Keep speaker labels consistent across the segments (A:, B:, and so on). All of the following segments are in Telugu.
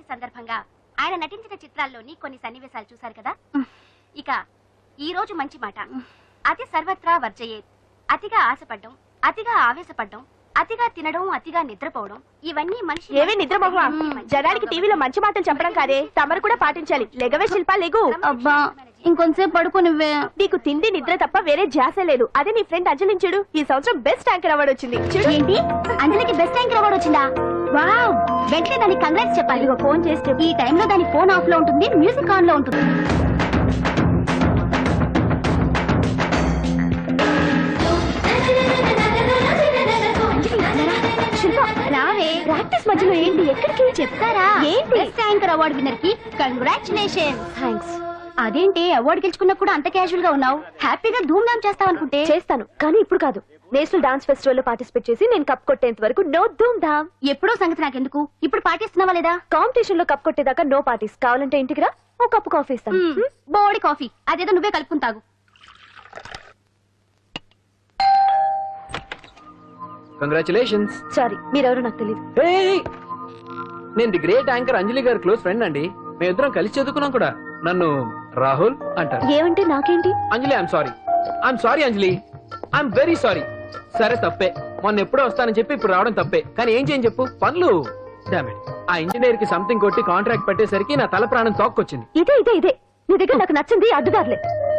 A: సందర్భంగా ఆయన నటించిన చిత్రాల్లోని కొన్ని సన్నివేశాలు చూశారు కదా. ఇక ఈ రోజు మంచి మాట. అతి సర్వత్రా వర్జయేత్. అతిగా ఆశపడ్డం, అతిగా ఆవేశపడ్డం, అతిగా తినడం, అతిగా నిద్రపోవడం, ఇవన్నీ మనిషి
B: ఏవే నిద్రమోహ. జనానికి టీవీలో మంచి మాటలు చెప్పడం కాదే, తమరు కూడా పాటించాలి. లెగవే శిల్ప, లెగు.
A: అబ్బా ఇంకొంచెంసేపు పడుకోనివ్వే.
B: నీకు తిండి నిద్ర తప్ప వేరే ధ్యాస లేదు. అదే నీ ఫ్రెండ్ అంజలిని చూడు, ఈ సంవత్సరం బెస్ట్ యాంకర్ అవార్డు వచ్చింది.
A: ఏంటి, అంజలికి బెస్ట్ యాంకర్ అవార్డు వచ్చిందా? వావ్, వెంటనే దానికి కంగ్రాట్స్ చెప్పాలి. ఫోన్ చేస్తే ఈ టైంలో దాని ఫోన్ ఆఫ్ లో ఉంటుంది, మ్యూజిక్ ఆన్ లో ఉంటుంది. రావే, ప్రాక్టీస్ మధ్యలో ఏంటి, ఎక్కడికి చెప్తారా? ఏంటి, బెస్ట్ యాంకర్ అవార్డు విన్నర్ కి కంగ్రాచులేషన్. థ్యాంక్స్. అదేంటి, అవార్డు గెలుచుకున్నా కూడా అంత క్యాజువల్ గా ఉన్నావు? హ్యాపీగా ధూమ్ ధామ్ చేస్తావు అనుకుంటే.
B: చేస్తాను, కానీ ఇప్పుడు కాదు. నేషనల్ డాన్స్ ఫెస్టివల్ లో పార్టిసిపేట్ చేసి నేను కప్ కొట్టేంత వరకు నో ధూమ్ ధామ్.
A: ఎప్పుడో సంగతి నాకెందుకు, ఇప్పుడు పాటిస్తున్నావా లేదా?
B: కాంపిటీషన్ లో కప్ కొట్టేదాకా నో పార్టీస్. కావాలంటే ఇంటికి రా, ఓ కప్పు కాఫీ ఇస్తాను.
A: బోడి కాఫీ, అదేదో నువ్వే కలుపుకుని తాగు.
C: కంగ్రాచులేషన్స్.
B: సారీ, మీరెవరో నాకు తెలియదు.
C: నేను ది గ్రేట్ యాంకర్ అంజలి గారి క్లోజ్ ఫ్రెండ్ అండి. మేమిద్దరం కలిసి చదువుకున్నాం కూడా. నన్ను రాహుల్ అంటారు.
B: ఏమంటే నాకేంటి?
C: Anjali, I'm sorry Anjali, I'm very sorry. సరే తప్పే, మొన్న ఎప్పుడో వస్తానని చెప్పి ఇప్పుడు రావడం తప్పే. కానీ ఏం చేయని చెప్పు, పనులు. ఆ ఇంజనీర్ కి సంథింగ్ కొట్టి కాంట్రాక్ట్ పెట్టేసరికి నా తల ప్రాణం తోక్కొచ్చింది.
B: ఇదే నీ దగ్గర నాకు నచ్చింది అడ్డుదారులే.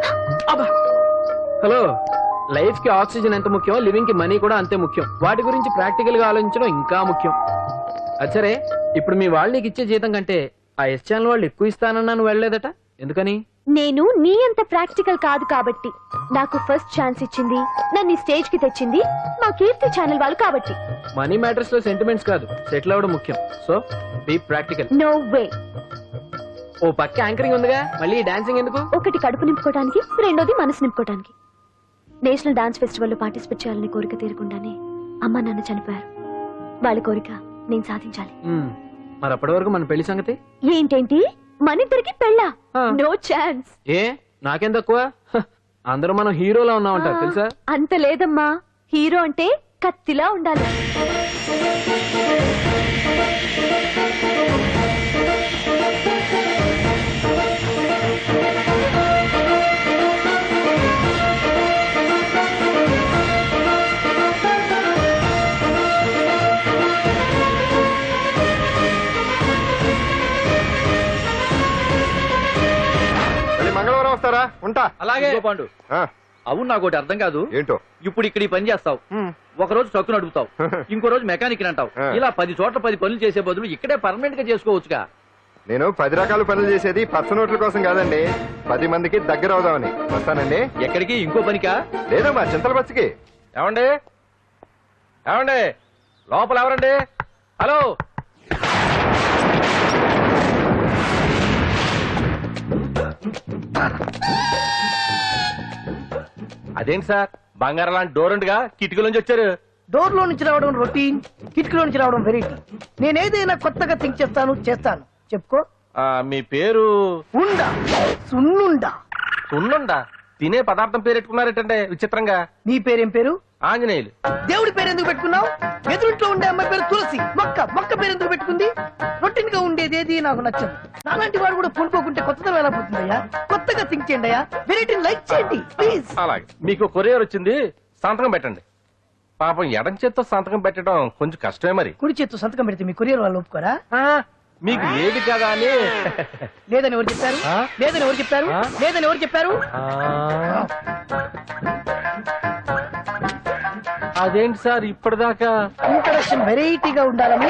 C: హలో, లైఫ్ కి ఆక్సిజన్ ఎంత ముఖ్యం, లివింగ్ కి మనీ కూడా అంతే ముఖ్యం. వాటి గురించి ప్రాక్టికల్ గా ఆలోచించడం ఇంకా ముఖ్యం. అచ్చరే, ఇప్పుడు మీ వాళ్ళు నీకు ఇచ్చే జీతం కంటే ఆ ఎస్ ఛానల్ వాళ్ళు ఎక్కువ ఇస్తానన్నా నువ్వు వెళ్ళలేదట, ఎందుకని?
B: నేను నీ అంత ప్రాక్టికల్ కాదు కాబట్టి. నాకు ఫస్ట్ ఛాన్స్ ఇచ్చింది, నన్ను స్టేజ్ కి తెచ్చింది మా కీర్తి ఛానల్ వాళ్ళు కాబట్టి.
C: మనీ మ్యాటర్స్ లో సెంటిమెంట్స్ కాదు, సెటిల్ అవ్వడం ముఖ్యం. So be practical.
B: No way.
C: ఓ పక్క యాంకరింగ్ ఉందిగా, మళ్ళీ డాన్సింగ్ ఎందుకు?
B: ఒకటి కడుపు నింపుకోవడానికి, రెండోది మనసు నింపుకోవడానికి. నేషనల్ డాన్స్ ఫెస్టివల్ లో పార్టిసిపేట్ చేయాలని కోరిక తీరకుండానే అమ్మ నాన్న చనిపోయారు. వాళ్ళ కోరిక నేను సాధించాలి.
C: మరి అప్పటి వరకు మన పెళ్లి సంగతి
B: ఏంటేంటి, మనిద్దరికి పెళ్ళా? No chance.
C: ఏ నాకేం తక్కువ? అందరూ మనం హీరోలా ఉన్నామంటారు తెలుసా?
B: అంత లేదమ్మా, హీరో అంటే కత్తిలా ఉండాలి.
D: మంగళవారం వస్తారా? ఉంటా.
E: అలాగే పాండు. అవును, నాకు ఒకటి అర్థం కాదు.
D: ఏంటో?
E: ఇప్పుడు ఇక్కడ ఈ పని చేస్తావు, ఒక రోజు ట్రక్కు నడుపుతావు, ఇంకో రోజు మెకానిక్ అంటావు. ఇలా 10 చోట్ల 10 పనులు చేసే బదులు ఇక్కడే పర్మనెంట్ గా చేసుకోవచ్చుగా.
D: నేను 10 రకాల పనులు చేసేది పచ్చ నోట్ల కోసం కాదండి, 10 మందికి దగ్గర అవుదామని. వస్తానండి.
E: ఎక్కడికి? ఇంకో పనికా?
D: లేదు, మా చింతల బస్సుకి.
E: ఏమండి ఏమండి, లోపల ఎవరండి? హలో, అదేంటి సార్, బంగారం లాంటి డోర్ ఉండగా కిటికీ నుంచి వచ్చారు?
F: డోర్ లో నుంచి రావడం రొటీన్, కిటికీలో నుంచి రావడం వెరైటీ. నేనేదైనా కొత్తగా థింక్ చేస్తాను. చెప్పుకో.
E: మీ పేరు?
F: ఉండా, సున్నుండా.
E: సున్నుండా? తినే పదార్థం పేరు పెట్టుకున్నారేటంటే విచిత్రంగా.
F: నీ పేరేం పేరు?
E: ఆంజనేయులు.
F: దేవుడి పేరు ఎందుకు పెట్టుకున్నావు? ఎదురుంట్లో ఉండే అమ్మాయి పేరు తులసి. మొక్క పేరు ఎందుకు పెట్టుకుంది? రొటీన్ గా ఉండేది ఏది నాకు నచ్చదు. నాలాంటి వాడు కూడా పూనుకోకుంటే కొత్తదనం ఎలా పోతుందయ్యా? కొత్తగా థింక్ చేయండి అయ్యా, వెరైటీని లైక్ చేయండి ప్లీజ్.
E: అలాగే, మీకు కొరియర్ వచ్చింది, సంతకం పెట్టండి. పాపం ఎడం చేత్తో సంతకం పెట్టడం కొంచెం కష్టమే. మరి
F: కుడి చేత్తు సంతకం పెడితే మీ కొరియర్ వాళ్ళు ఒప్పుకోరా?
E: మీకు లేదు కదా అని.
F: లేదని ఎవరు చెప్పారు? లేదని ఎవరు చెప్పారు? లేదని ఎవరు చెప్పారు?
E: అదేంటి సార్ ఇప్పటిదాకా
F: ఇంట్రడక్షన్ వెరైటీగా ఉండాలని.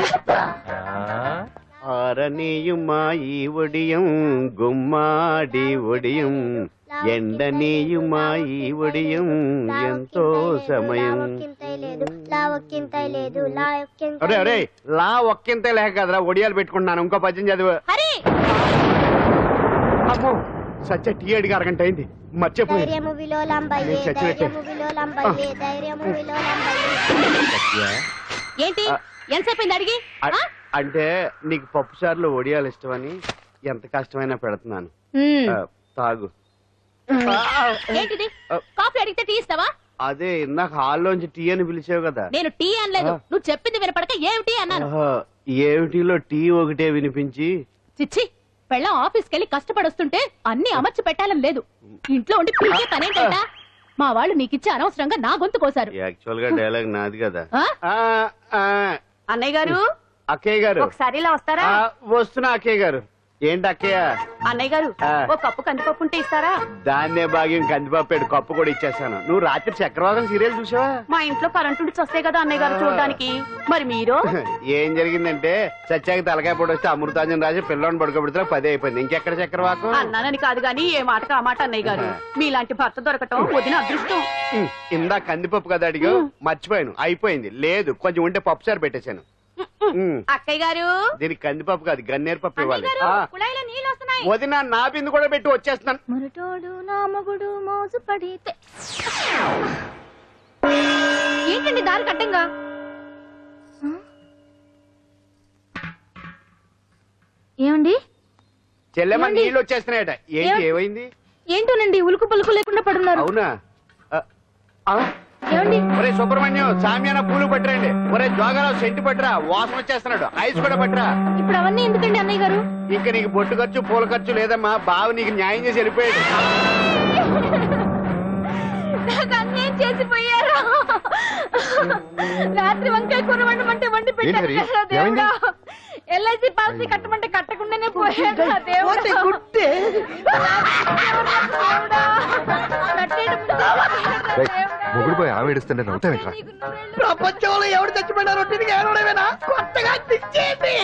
G: ఆరనీయుమా ఈ ఒడియం గుమ్మాడి ఒడియం, ఎండనీయుమా ఈ ఒడియం ఎంతో సమయం.
D: అరే అరే, లా ఒక్కింతే లేక కదరా ఒడియాలు పెట్టుకుంటున్నాను. ఇంకో పద్యం చదువు. అమ్మో, సత్య టీ అడిగి అరగంట అయింది, మర్చిపోయి.
A: ఏంటి, ఎంతసేపు అడిగి?
G: అంటే నీకు పప్పు సార్లు ఒడియాలు ఇష్టమని ఎంత కష్టమైనా పెడుతున్నాను, తాగు.
A: ఏంటిది, కాఫీ అడిగితే టీ ఇస్తావా?
G: అదే ఇందాక హాల్లోంచి టీ అని పిలిచావు కదా.
H: నేను టీ అనలేదు, నువ్వు చెప్పింది వినపడక ఏమిటి అన్నాను.
G: ఏమిటిలో టీ ఒకటే వినిపించి.
H: చిచ్చి, పెళ్ళం ఆఫీస్కి వెళ్ళి కష్టపడొస్తుంటే అన్ని అమర్చి పెట్టాలని లేదు. ఇంట్లో ఉండి పీకే పనేంటంట. మా వాళ్ళు నీకిచ్చి అనవసరంగా నా గొంతు కోసారు.
G: యాక్చువల్ గా డైలాగ్ నాది కదా.
A: అన్నయ్య గారు,
G: అక్కయ్య గారు
A: ఒకసారి ఇలా వస్తారా?
G: వస్తున్నా అక్కయ్య గారు. ఏంటి అక్కయ్య?
A: అన్నయ్య గారు, ఒక కప్పు కందిపప్పు ఉంటే ఇస్తారా?
G: దాన్నే భాగ్యం కందిపాపేడు కప్పు కూడా ఇచ్చేసాను. నువ్వు రాత్రి చక్రవాకం సీరియల్ చూసావా?
A: మా ఇంట్లో కరెంటు ఉండి వస్తే కదా అన్నయ్య గారు చూడడానికి. మరి మీరు?
G: ఏం జరిగిందంటే సత్యాకి తలకాయ పొడి వస్తే అమృతాంజన్ రాజు పిల్లని పడుకోబెడితే 10 అయిపోయింది. ఇంకెక్కడ చక్రవాకం?
A: అన్నానని కాదు గాని ఏ మాటకు ఆ మాట అన్నయ్య గారు. మీలాంటి భర్త దొరకటం వదిన అదృష్టం.
G: ఇందా కందిపప్పు కదా అడిగా, మర్చిపోయాను. అయిపోయింది. లేదు, కొంచెం ఉంటే పప్పు సార్ పెట్టేశాను.
A: అక్కయ్య గారు,
G: దీనికి కందిపప్పు కాదు గన్నేరు పప్పు ఇవ్వాలి.
A: కుళాయిలో నీళ్ళు వస్తున్నాయి.
G: వదిన నా బిందు కూడా పెట్టి వచ్చేస్తున్నాను.
B: మురటోడు నా మగుడు మోజు పడితే.
A: ఏంటండి దారి కట్టంగా?
B: ఏమండి?
G: చెల్లెమ్మ నీళ్ళు వచ్చేస్తున్నాయట. ఏంటి ఏమైంది?
B: ఏంటోనండి ఉలుకు పలుకు లేకుండా పడున్నారు.
G: అవునా?
B: ఏమండి?
G: ఒరే సుబ్రహ్మణ్యం, సామ్యాన పూలు పట్టరండి. ఒరే జోగారావు సెంటు పట్టరా, వాసన వచ్చేస్తున్నాడు. ఐస్ కూడా పట్టరా.
B: ఇప్పుడు అవన్నీ ఎందుకండి అన్నయ్య గారు?
G: ఇంకా నీకు బొట్టు ఖర్చు పూల ఖర్చు లేదమ్మా. బావ నీకు న్యాయం చేసి వెళ్ళిపోయాడు.
B: నాకు అన్యాయం చేసిపోయారు. రాత్రి వంకాయ కూర వండమంటే వండి పెట్టారు కదా దేవుడా. ఎల్ఐసి పాలసీ కట్టమంటే కట్టకుండానే పోయాడు దేవుడా.
F: గుట్టే
D: మొగుడు పోయి ఆమె ఏడుస్తుంటే నవ్వుతావేట్రా?
F: ప్రపంచంలో ఎవరు చచ్చిపోయినా రొట్టెని ఏడవడమేనా? కొత్తగా తెచ్చేయండి.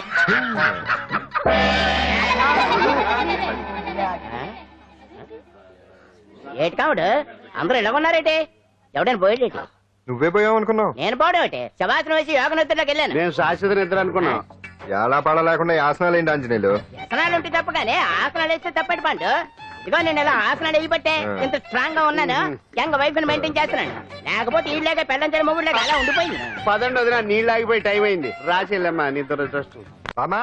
I: ఏటి కావుడు అందరూ ఇలా ఉన్నారేటి? ఎవడైనా పోయేటి?
D: నువ్వే పోయావు అనుకున్నావు.
I: నేను పోవడేటి? శవాసనం వేసి యోగ నిద్రలోకి వెళ్ళాను.
G: నేను శాశ్వత నిద్ర అనుకున్నాను.
D: ఎలా పాడ లేకుండా యాసనాలు ఏంటి ఆంజనేయులు?
I: వ్యసనాలు ఉంటే తప్ప కానీ ఆసనాలు వేస్తే తప్పటి పండు. ఇదిగో నేను ఇలా ఆసనాలు వేయబట్టే ఇంత స్ట్రాంగ్ గా ఉన్నాను. యంగ్ వైఫ్ ని మెయింటైన్ చేస్తున్నాను. లేకపోతే ఈ లేక పెళ్ళంచని మొగుడు లేక అలా ఉండిపోయింది.
G: పదండి వదిన, నీళ్ళు ఆగిపోయి టైం అయింది. రాసేళ్ళమ్మా నీ దురదృష్టం.
D: బామా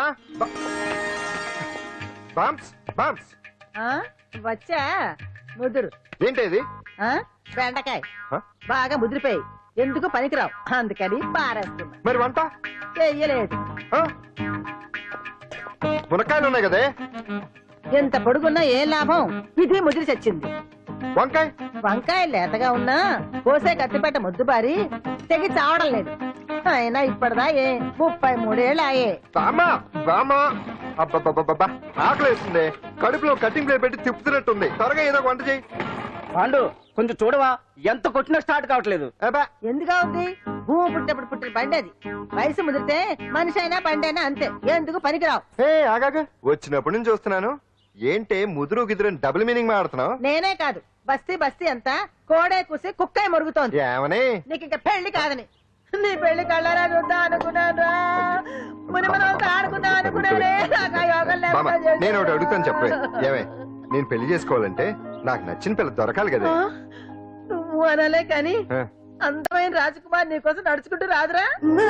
D: బామ్స్ బామ్స్
J: వచ్చా ముదురు
D: ఏంటి
J: బెండకాయ
D: ఆ?
J: బాగా ముదిరిపోయి ఎందుకు పనికిరావు, అందుకని పారేస్తున్నా.
D: మరి వంట
J: చెయ్యలేదు.
D: ఆ? మునక్కాయలు ఉన్నాయి కదే.
J: ఎంత పొడుగున్నా ఏం లాభం, ఇది ముదిరి చచ్చింది.
D: వంకాయ
J: వంకాయ లేతగా ఉన్నా కోసే కత్తిపేట ముద్దుబారి తెగి చావడం లేదు. అయినా ఇప్పటిదా 33 ఏళ్ళు ఆయే.
D: బామా బామా అబ్బబ్బబ్బబ్బా ఆకలి వేస్తుంది. కడుపులో కటింగ్ ప్లేట్ పెట్టి తిప్పుతున్నట్టుంది. త్వరగా ఏదో వంట చేయి.
E: పాండు కొంచెం చూడవా, ఎంత కొట్టినా స్టార్ట్ కావట్లేదు.
J: ఎందుగా ఉంది? భూమి పుట్టినప్పుడు పుట్టిన బండి అది. వయసు ముదిరితే మనిషి అయినా బండి అయినా అంతే, ఎందుకు పనికిరావు.
D: ఆగాగా వచ్చినప్పటి నుంచి చూస్తున్నాను. ఏంటే ముదురు గిదురు డబుల్ మీనింగ్ మాడుతున్నావు?
J: నేనే కాదు, బస్తీ బస్తీ అంతా కోడే కూసి కుక్కే మొరుగుతోంది.
D: ఏమని?
J: నీకు ఇంకా పెళ్లి కాదని. నీ పెళ్లి కళ్ళరా చూద్దాం అనుకున్నాను. మునిమనంతా ఆడుకుందాం అనుకున్నానే. నాకు ఆ యోగం
D: బామ్మ,
J: లేకుండా
D: నేను ఒకటి అడుగుతాను చెప్పే.
J: చేశారు.
D: ఏమే, నేను పెళ్లి చేసుకోవాలంటే నాకు నచ్చిన పిల్ల దొరకాలి కదా.
J: నువ్వు అనలే కాని
D: ఆ.
J: అందమైన రాజకుమార్ నీకోసం నడుచుకుంటూ రాదురా.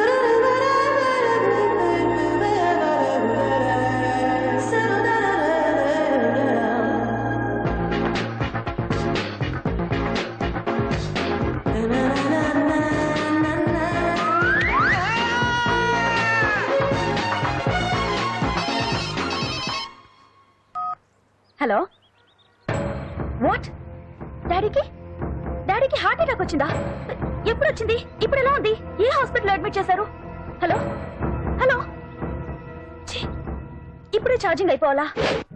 B: Hello, what? డాడీకి హార్ట్ అటాక్ వచ్చిందా? ఎప్పుడు వచ్చింది? ఇప్పుడు ఎలా ఉంది? ఏ హాస్పిటల్ అడ్మిట్ చేశారు? హలో హలో, ఛీ, ఇప్పుడే ఛార్జింగ్ అయిపోవాలా?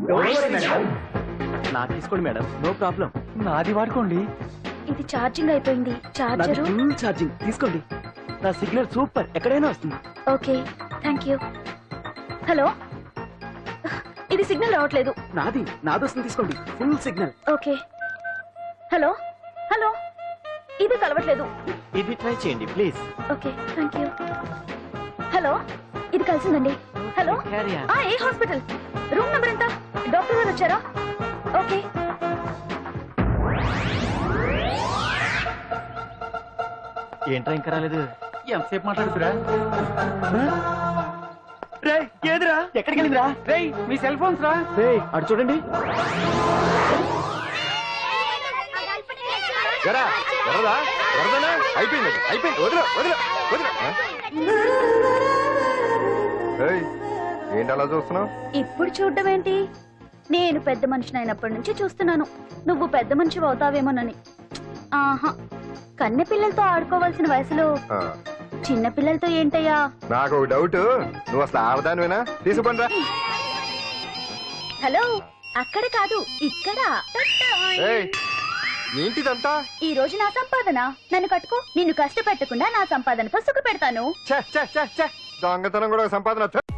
C: నాకు తీసుకోండి మేడం, నో ప్రాబ్లం. నాది వాడుకోండి.
B: ఇది ఛార్జింగ్ అయిపోయింది. చార్జరు
C: ఫుల్ ఛార్జింగ్ తీసుకోండి. నా సిగ్నల్ సూపర్, ఎక్కడైనా వస్తుంది.
B: Okay, thank you. హలో, ఇది సిగ్నల్ రావట్లేదు.
C: నాది వస్తుంది, తీసుకోండి. Full signal.
B: Okay. Hello hello, ఇది కలవట్లేదు.
C: ఇది ట్రై చేయండి please.
B: Okay, thank you. Hello, ఇది కలిసిందండి. హలో, ఏ హాస్పిటల్? రూమ్ నెంబర్ ఎంత? డాక్టర్ గారు వచ్చారా? ఓకే.
C: ఏంట్రా ఇంకా రాలేదు?
E: ఎంతసేపు మాట్లాడుతురా?
C: ఏదిరా? ఎక్కడికి వెళ్ళిందిరా?
E: మీ సెల్ ఫోన్స్ రా.
C: అటు చూడండి.
D: ఎరా ఎర్రదా ఎర్రదనా అయిపోయింది అయిపోయింది వదిలే వదిలే వదిలే ఏయ్, ఏంటి అలా చూస్తున్నావు?
B: ఇప్పుడు చూడడం ఏంటి? నేను పెద్ద మనిషిని అయినప్పటి నుంచి చూస్తున్నాను నువ్వు పెద్ద మనిషి అవుతావేమోనని. ఆహా, కన్నె పిల్లలతో ఆడుకోవాల్సిన వయసులో చిన్న పిల్లలతో ఏంటయ్యా?
D: నాకు ఒక డౌట్, నువ్వు అసలు ఆడదానివేనా? తీసుకుంటా.
B: హలో, అక్కడ కాదు ఇక్కడ.
D: ఏంటిదంతా?
B: ఈ రోజు నా సంపాదన, నన్ను కట్టుకో. నిన్ను కష్టపెట్టకుండా నా సంపాదనతో సుఖ పెడతాను.
D: దొంగతనం కూడా ఒక సంపాదన.